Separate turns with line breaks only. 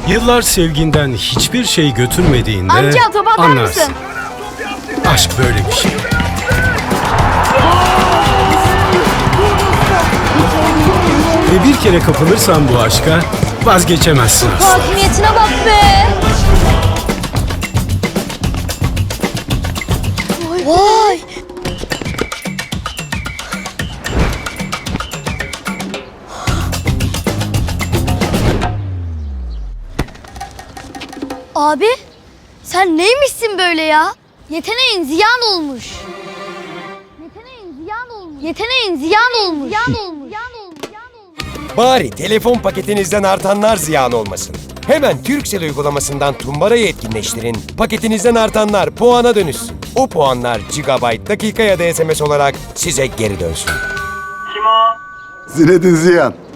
Yıllar sevginden hiçbir şey götürmediğinde
Amca top atar
anlarsın.
mısın?
Aşk böyle bir şey. Ve bir kere kapılırsan bu aşka vazgeçemezsin asla.
Hakimiyetine bak be. Vay. Abi, sen neymişsin böyle ya? Yeteneğin ziyan olmuş. Yeteneğin ziyan olmuş. Yeteneğin ziyan olmuş. Ziyan olmuş.
Bari telefon paketinizden artanlar ziyan olmasın. Hemen Turkcell uygulamasından Tumbara'yı etkinleştirin. Paketinizden artanlar puana dönüşsün. O puanlar GB, dakika ya da SMS olarak size geri dönsün.
Kim o?
Zinedine Ziyan.